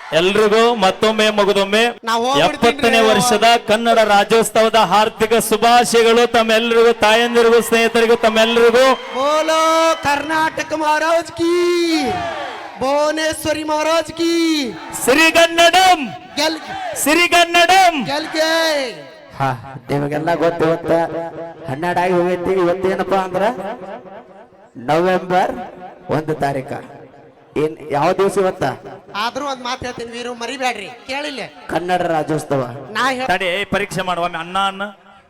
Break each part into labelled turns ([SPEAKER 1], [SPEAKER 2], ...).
[SPEAKER 1] ಎಲ್ರಿಗೂ ಮತ್ತೊಮ್ಮೆ ಮಗದೊಮ್ಮೆ
[SPEAKER 2] ನಾವ್ ಹೋಗ್ಬಿಡ್ತೀನ್ರಿ.
[SPEAKER 1] 70ನೇ ವರ್ಷದ ಕನ್ನಡ ರಾಜ್ಯೋತ್ಸವದ ಹಾರ್ದಿಕ ಶುಭಾಶಯಗಳು ತಮ್ಮೆಲ್ಲರಿಗೂ, ತಾಯಂದಿರಿಗೂ, ಸ್ನೇಹಿತರಿಗೂ, ತಮ್ಮೆಲ್ಲರಿಗೂ.
[SPEAKER 2] ಬೋಲೋ ಕರ್ನಾಟಕ ಮಹಾರಾಜ್ ಕಿ, ಭುವನೇಶ್ವರಿ ಮಹಾರಾಜ್ ಕಿ,
[SPEAKER 1] ಸಿರಿಗನ್ನಡಂ
[SPEAKER 2] ಗೆಲ್
[SPEAKER 1] ಸಿರಿಗನ್ನಡಂ.
[SPEAKER 2] ಗೆಲ್ಗೆ.
[SPEAKER 3] ನಿಮಗೆಲ್ಲ ಗೊತ್ತು, ಇವತ್ತ 12 ಆಗಿ ಹೋಗೈತಿ. ಇವತ್ತೇನಪ್ಪಾ ಅಂದ್ರ ನವೆಂಬರ್ 1 ತಾರೀಕ. ಏನ್ ಯಾವ ದಿವಸ ಇವತ್ತ?
[SPEAKER 2] ಆದ್ರೂ ಒಂದ್ ಮಾತು ಹೇಳ್ತೀನಿ ವೀರು, ಮರಿಬೇಡ್ರಿ, ಕೇಳಿಲ್ಲ.
[SPEAKER 3] ಕನ್ನಡ ರಾಜ್ಯೋತ್ಸವ.
[SPEAKER 2] ನಾ
[SPEAKER 1] ತಡಿ, ಪರೀಕ್ಷೆ ಮಾಡುವ ಅಣ್ಣ ಅನ್ನ.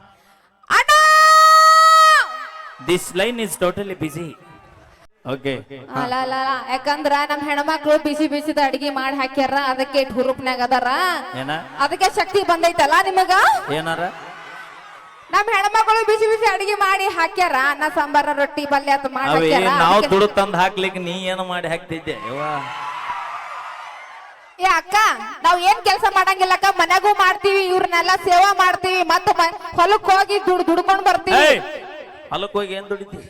[SPEAKER 1] This line is totally busy. Okay,
[SPEAKER 4] ಅಲ್ಲ ಅಲ್ಲ ಅಲ್ಲ. ಯಾಕಂದ್ರ ನಮ್ ಹೆಣ್ಮಕ್ಳು ಬಿಸಿ ಬಿಸಿದ ಅಡಿಗೆ ಮಾಡಿ ಹಾಕ್ಯಾರ, ಅದಕ್ಕೆ ಇಟ್ ಹುರುಪ್ನ್ಯಾಗ ಅದಾರ,
[SPEAKER 1] ಏನ
[SPEAKER 4] ಅದಕ್ಕೆ ಶಕ್ತಿ ಬಂದೈತಲ್ಲ ನಿಮಗ.
[SPEAKER 1] ಏನಾರ
[SPEAKER 4] ನಮ್ ಹೆಣ್ಮಕ್ಳು ಬಿಸಿ ಬಿಸಿ ಅಡಿಗೆ ಮಾಡಿ ಹಾಕ್ಯಾರ, ಅನ್ನ ಸಾಂಬಾರ ರೊಟ್ಟಿ ಪಲ್ಯ ಅಂತ ಮಾಡಿ
[SPEAKER 1] ಅವೇ
[SPEAKER 4] ಹಾಕ್ಯಾರ.
[SPEAKER 1] ನಾವು
[SPEAKER 4] ಅದಕ್ಕೆ-
[SPEAKER 1] ದುಡ್ಡು ತಂದು ಹಾಕ್ಲಿಕ್ಕೆ ನೀ ಏನು ಮಾಡಿ ಹಾಕ್ತಿದ್ದೆ ಯವ್ವ?
[SPEAKER 4] ಏ ಅಕ್ಕ, ನಾವ್ ಏನ್ ಕೆಲಸ ಮಾಡಂಗಿಲ್ಲ ಅಕ್ಕ, ಮನ್ಯಾಗೂ ಮಾಡ್ತೀವಿ, ಇವ್ರನ್ನೆಲ್ಲ ಸೇವಾ ಮಾಡ್ತೀವಿ, ಮತ್ತ ಹೊಲಕ್ ಹೋಗಿ ದುಡ್ಕೊಂಡ್ ಬರ್ತೀವಿ.
[SPEAKER 1] ಏಯ್, ಹೊಲಕ್ಕೆ ಹೋಗಿ ಏನ್ ದುಡಿತಿ?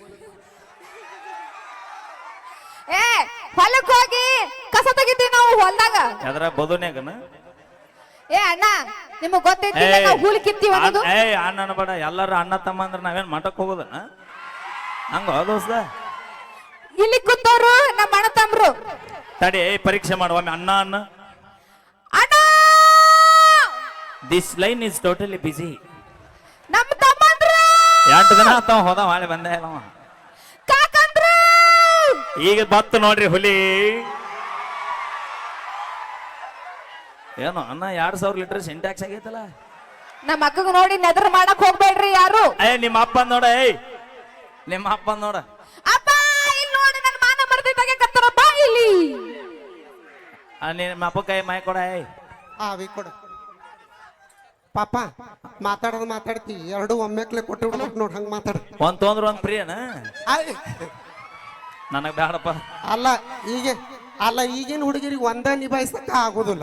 [SPEAKER 4] ಏ ಹೊಲಕ್ ಹೋಗಿ ಕಸ ತೆಗಿತೀವಿ ನಾವು ಹೊಲ್ದಾಗ.
[SPEAKER 1] ಯಾವ್ದಾರ ಬದುನ್ಯಾಗನ?
[SPEAKER 4] ಏ ಅಣ್ಣ, ನಿಮಗ್ ಗೊತ್ತೈತಿಲ್ಲ ನಾವು ಹೂಲ್ ಕಿತ್ತೀವಿ ಅನ್ನೋದು.
[SPEAKER 1] ಏಯ್ ಅಣ್ಣ ಬೇಡ, ಎಲ್ಲಾರು ಅಣ್ಣ ತಮ್ಮ ಅಂದ್ರೆ ನಾವೇನ್ ಮಠಕ್ ಹೋಗೋದನ ಹಂಗ ದೋಸ್ತ?
[SPEAKER 4] ಇಲ್ಲಿ ಕೂತವ್ರು ನಮ್ಮ ಅಣ್ಣ ತಮ್ರು.
[SPEAKER 1] ತಡಿ, ಪರೀಕ್ಷೆ ಮಾಡುವ ಅಣ್ಣ ಅನ್ನ.
[SPEAKER 4] ಅಣ್ಣ,
[SPEAKER 1] this line is totally busy.
[SPEAKER 4] ನಮ್ಮ ತಮ್ಮಂದ್ರು,
[SPEAKER 1] 8 ದಿನ ಆತಾವ ಹೋದ, ಮಾಡಿ ಬಂದೇ ಇಲ್ಲ ಅವ.
[SPEAKER 4] ಕಾಕಂದ್ರು.
[SPEAKER 1] ಈಗ ಬತ್ತು ನೋಡ್ರಿ ಹುಲಿ. ಏನು ಅನ್ನ 2000 ಲೀಟರ್ ಸಿಂಟ್ಯಾಕ್ಸ್ ಆಗೈತಲ್ಲ.
[SPEAKER 4] ನಮ್ಮ ಅಕ್ಕಗ ನೋಡಿ ನೆದರ್ ಮಾಡಕ್ ಹೋಗ್ಬೇಡ್ರಿ ಯಾರು.
[SPEAKER 1] ನಿಮ್ಮ ಅಪ್ಪ ನೋಡ, ನಿಮ್ಮ ಅಪ್ಪ ನೋಡ.
[SPEAKER 4] ಅಪ್ಪ ಇಲ್ಲಿ ನೋಡಿ, ನನ್ನ ಮಾನ ಮರ್ದಿ ತೆಗೆಕತ್ತರ, ಬಾ ಇಲ್ಲಿ.
[SPEAKER 1] ನಿಮ್ಮ ಅಪ್ಪ ಕೈ ಮಾಯ ಕೊಡ.
[SPEAKER 2] ವಿ ಕೊಡು ಪಾಪ. ಮಾತಾಡೋದು ಮಾತಾಡ್ತೀವಿ, ಎರಡು ಒಮ್ಮೆಕ್ಲೆ ಕೊಟ್ಟು ಬಿಡ್ಬೇಕು ನೋಡ್, ಹಂಗ ಮಾತಾಡ.
[SPEAKER 1] ಒಂದ್ ತೊಂದ್ರ ಒಂದ್ ಪ್ರಿಯನ ನನಗ್ ಬ್ಯಾಡಪ್ಪ.
[SPEAKER 2] ಅಲ್ಲ ಈಗಿನ ಹುಡುಗಿರಿಗೆ ಒಂದ ನಿಭಾಯಿಸಕ ಆಗುದಿಲ್ಲ.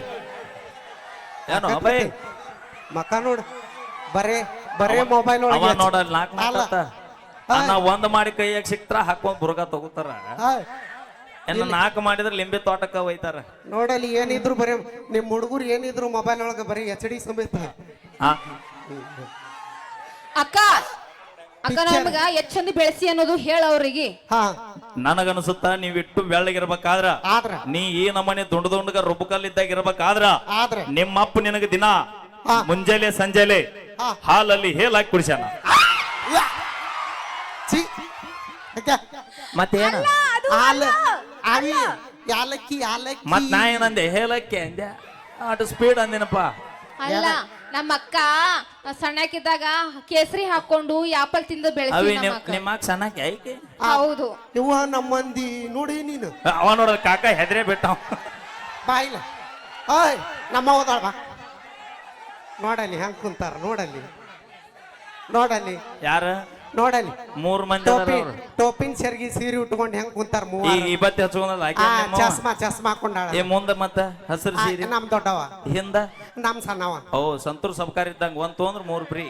[SPEAKER 1] ಏನು ಅಭಯ್
[SPEAKER 2] ಮಕ್ಕ ನೋಡು, ಬರೇ ಮೊಬೈಲ್
[SPEAKER 1] ಅವ ನೋಡ 4 ಅನ್ನ ಒಂದ್ ಮಾಡಿ ಕೈಯಾಗ ಸಿಕ್ತಾರ, ಹಾಕೊಂಡ್ ಬುರ್ಗ ತಗೋತಾರ. ಇನ್ನು 4 ಮಾಡಿದ್ರೆ ಲಿಂಬೆ ತೋಟಕ್ಕ ಒಯ್ತಾರ.
[SPEAKER 2] ನೋಡಲ್ಲಿ ಏನಿದ್ರು ಬರೀ ನಿಮ್ ಹುಡುಗರು ಏನಿದ್ರು ಮೊಬೈಲ್ ಒಳಗ ಬರೀ HD ಸಮೇತ.
[SPEAKER 4] ಅಕ್ಕ ಅಕ್ಕ, ನಮ್ಗ ಎಷ್ಟ್ ಚಂದ ಬೆಳೆಸಿ ಅನ್ನೋದು ಹೇಳ ಅವ್ರಿಗೆ.
[SPEAKER 2] ಹಾ,
[SPEAKER 1] ನನಗನ್ಸುತ್ತ ನೀವಿಟ್ಟು ಬೆಳ್ಳಗಿರ್ಬೇಕಾದ್ರ,
[SPEAKER 2] ಆದ್ರ
[SPEAKER 1] ನೀ ಈ ನಮನೆ ದುಂಡಗ ರುಬ್ಬಕಲ್ಲಿದ್ದಾಗ ಇರ್ಬೇಕಾದ್ರ,
[SPEAKER 2] ಆದ್ರೆ
[SPEAKER 1] ನಿಮ್ಮಪ್ಪ ನಿನಗ ದಿನ ಮುಂಜಾನೆ ಸಂಜೆಲೆ ಹಾಲಲ್ಲಿ ಹೇಲಾಕಿ ಕುಡಿಸ್ಯಾನ.
[SPEAKER 2] ಛೀ,
[SPEAKER 1] ಮತ್ತೇನ
[SPEAKER 2] ಯಾಲಕ್ಕಿ
[SPEAKER 1] ಮತ್ ನಾ ಏನಂದೆ? ಹೇಲಕ್ಕಿ ಅಂದೆ, ಅಷ್ಟು ಸ್ಪೀಡ್ ಅಂದಿನಪ್ಪ.
[SPEAKER 4] ಅಲ್ಲ, ನಮ್ಮ ಅಕ್ಕ ಸಣ್ಣಕ್ಕಿದ್ದಾಗ ಕೇಸರಿ ಹಾಕೊಂಡು ಆಪಲ್ ತಿಂದು ಬೆಳೆಸಿ
[SPEAKER 1] ಅವಿ
[SPEAKER 4] ನಮ್ಮ ಅಕ್ಕ.
[SPEAKER 1] ನಿಮ್ಮ ಸಣ್ಣಕ್ಕೆ ಐಕೆ
[SPEAKER 4] ಹೌದು.
[SPEAKER 2] ಇವ ನಮ್ಮ ಮಂದಿ ನೋಡಿ ನೀನು.
[SPEAKER 1] ಅವ ನೋಡ ಕಾಕ ಹೆದ್ರೆ ಬಿಟ್ಟ.
[SPEAKER 2] ಬಾಯಿಲ್ಲ, ಓಯ್ ನಮ್ಮ ಹೋದಾಳ ಬಾ. ನೋಡಲ್ಲಿ ಹೆಂಗ್ ಕುಂತಾರ, ನೋಡಲ್ಲಿ
[SPEAKER 1] ಯಾರ
[SPEAKER 2] ನೋಡಲ್ಲಿ
[SPEAKER 1] 3 ಮಂದಿ
[SPEAKER 2] ಟೋಪಿನ್ ಸೆರ್ಗಿ ಸೀರೆ ಉಟ್ಕೊಂಡು ಹೆಂಗ್ ಕುಂತಾರ
[SPEAKER 1] ಈ ಬತ್ತಿ ಹಚ್ಕೊಂಡಲ್ಲ
[SPEAKER 2] ಚಸ್ಮಾ ಹಾಕೊಂಡಾಳ.
[SPEAKER 1] ಮುಂದ ಮತ್ತ ಹಸಿರು ಸೀರೆ
[SPEAKER 2] ನಮ್ ದೊಡ್ಡವ,
[SPEAKER 1] ಹಿಂದ
[SPEAKER 2] ನಮ್ ಸಣ್ಣವ.
[SPEAKER 1] ಓ ಸಂತೂರ್ ಸಬ್ಕಾರ್ ಇದ್ದಂಗ ಒಂದ್ ತೊಂದ್ರ 3 ಫ್ರೀ.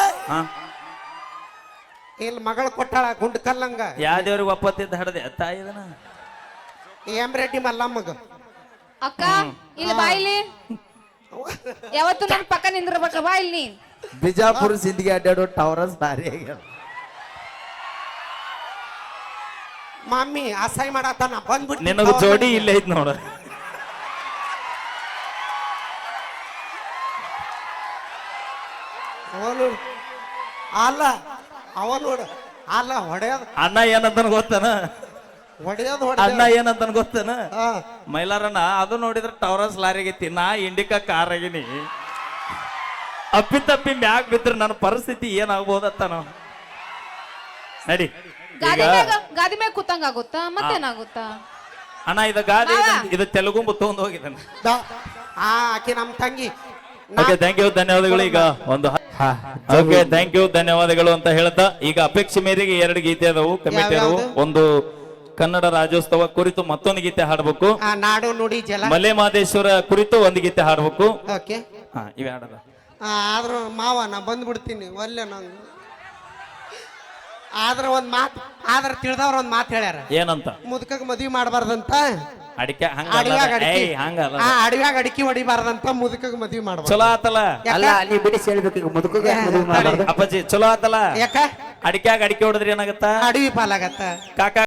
[SPEAKER 2] ಇಲ್ಲಿ ಮಗಳು ಕೊಟ್ಟಾಳ ಗುಂಡ್ ಕಲ್ಲಂಗ.
[SPEAKER 1] ಯಾವ ದೇವ್ರಿಗೆ ಒಪ್ಪತ್ತಿದ್ದ ಹಡದೆ ತಾಯಿದನ
[SPEAKER 2] ರೆಡ್ಡಿ ಮಲ್ಲಮ್ಮಗ.
[SPEAKER 4] ಅಕ್ಕ ಇಲ್ಲಿ ಬಾಯಿಲಿ, ಯಾವತ್ತು ನನ್ನ ಪಕ್ಕ ನಿಂದಿರ್ಬೇಕ, ಬಾ ಇಲ್ಲಿ.
[SPEAKER 3] ಬಿಜಾಪುರ ಸಿಂಧಿಗೆ ಅಡ್ಡಾಡೋ ಟವರಸ್ ಭಾರಿ ಆಗ್ಯಾವ.
[SPEAKER 2] ಮಮ್ಮಿ ಅಸಹ್ಯ ಮಾಡತ್ತಾನ, ಬಂದ್ಬಿಟ್ಟು
[SPEAKER 1] ನಿನಗ ಜೋಡಿ ಇಲ್ಲೇ ಐತ್ ನೋಡ.
[SPEAKER 2] ಅವ ನೋಡ ಅಲ್ಲ ಹೊಡೆಯೋದು.
[SPEAKER 1] ಅಣ್ಣ ಏನಂತನ ಗೊತ್ತನ?
[SPEAKER 2] ಹೊಡೆಯೋದು
[SPEAKER 1] ಅಣ್ಣ ಏನಂತನ ಗೊತ್ತನ? ಮೈಲಾರಣ್ಣ ಅದು ನೋಡಿದ್ರೆ ಟವರಸ್ ಲಾರಿಗೈತಿ, ನಾ ಇಂಡಿಕಾ ಕಾರ್ ಆಗಿನಿ. ಅಪ್ಪಿತಪ್ಪಿ ಮ್ಯಾಗ್ ಬಿದ್ರೆ ನನ್ನ ಪರಿಸ್ಥಿತಿ ಏನಾಗ್ಬೋದತ್ತ ನಾವು. ನಡಿ
[SPEAKER 4] ಗಾದಿ ಮ್ಯಾಗ ಕೂತಂಗ ಆಗುತ್ತಾ, ಮತ್ತೇನಾಗುತ್ತಾ?
[SPEAKER 1] ಅಣ್ಣ ಇದು ಗಾದಿ, ಇದು ತೆಲುಗು ತಗೊಂಡ್ ಹೋಗಿದ್ದಾನೆ.
[SPEAKER 2] ಆಕೆ ನಮ್ ತಂಗಿ.
[SPEAKER 1] ಓಕೆ, ಥ್ಯಾಂಕ್ ಯು, ಧನ್ಯವಾದಗಳು. ಈಗ ಒಂದು ಓಕೆ, ಥ್ಯಾಂಕ್ ಯು, ಧನ್ಯವಾದಗಳು ಅಂತ ಹೇಳ್ತಾ, ಈಗ ಅಪೇಕ್ಷೆ ಮೇರೆಗೆ 2 ಗೀತೆ ಅದಾವು ಕಮಿಟಿಯರು. ಒಂದು ಕನ್ನಡ ರಾಜ್ಯೋತ್ಸವ ಕುರಿತು ಮತ್ತೊಂದು ಗೀತೆ ಹಾಡ್ಬೇಕು,
[SPEAKER 2] ನಾಡು ನುಡಿ ಜಲ
[SPEAKER 1] ಮಲೆ ಮಹದೇಶ್ವರ ಕುರಿತು ಒಂದು ಗೀತೆ ಹಾಡ್ಬೇಕು.
[SPEAKER 2] ಓಕೆ,
[SPEAKER 1] ಇವೆ ಹಾಡದ.
[SPEAKER 2] ಆದ್ರೂ ಮಾವ ನಾ ಬಂದ್ಬಿಡ್ತೀನಿ, ಒಲ್ಲೆ ನಂಗೆ ಆದ್ರ ಒಂದ್ ಮಾತ್ ಆದ್ರ ತಿಳಿದವ್ರ ಒಂದ್ ಮಾತ್ ಹೇಳ್ಯಾರ
[SPEAKER 1] ಏನಂತ
[SPEAKER 2] ಮುದುಕಗ್ ಮದ್ವಿ ಮಾಡಬಾರ್ದಂತ
[SPEAKER 1] ಅಡಿಕೆ ಹಂಗ
[SPEAKER 2] ಅಡವ್ಯಾಗ ಅಡಿಕೆ
[SPEAKER 1] ಹಂಗಲ್ಲ
[SPEAKER 2] ಅಡವ್ಯಾಗ ಅಡಿಕೆ ಹೊಡಿಬಾರ್ದಂತ ಮುದುಕಗ್ ಮದ್ವಿ ಮಾಡ್ಬಾರ್ದು
[SPEAKER 1] ಚಲೋ ಆತಲ್ಲ
[SPEAKER 3] ಅಲ್ಲ ನೀ ಬಿಡಿಸಿ ಹೇಳ್ಬೇಕು ಈಗ ಮುದುಕಗೆ ಮದುವೆ ಮಾಡ್ಬಾರ್ದು
[SPEAKER 1] ಅಪ್ಪಾಜಿ ಚಲೋ ಆತಲ್ಲ
[SPEAKER 2] ಯಾಕ
[SPEAKER 1] ಅಡಿಕ್ಯಾಗ ಅಡಿಕೆ ಹೊಡೆದ್ರಿ ಏನಾಗತ್ತ
[SPEAKER 2] ಅಡವಿ ಪಾಲಾಗತ್ತ
[SPEAKER 1] ಕಾಕ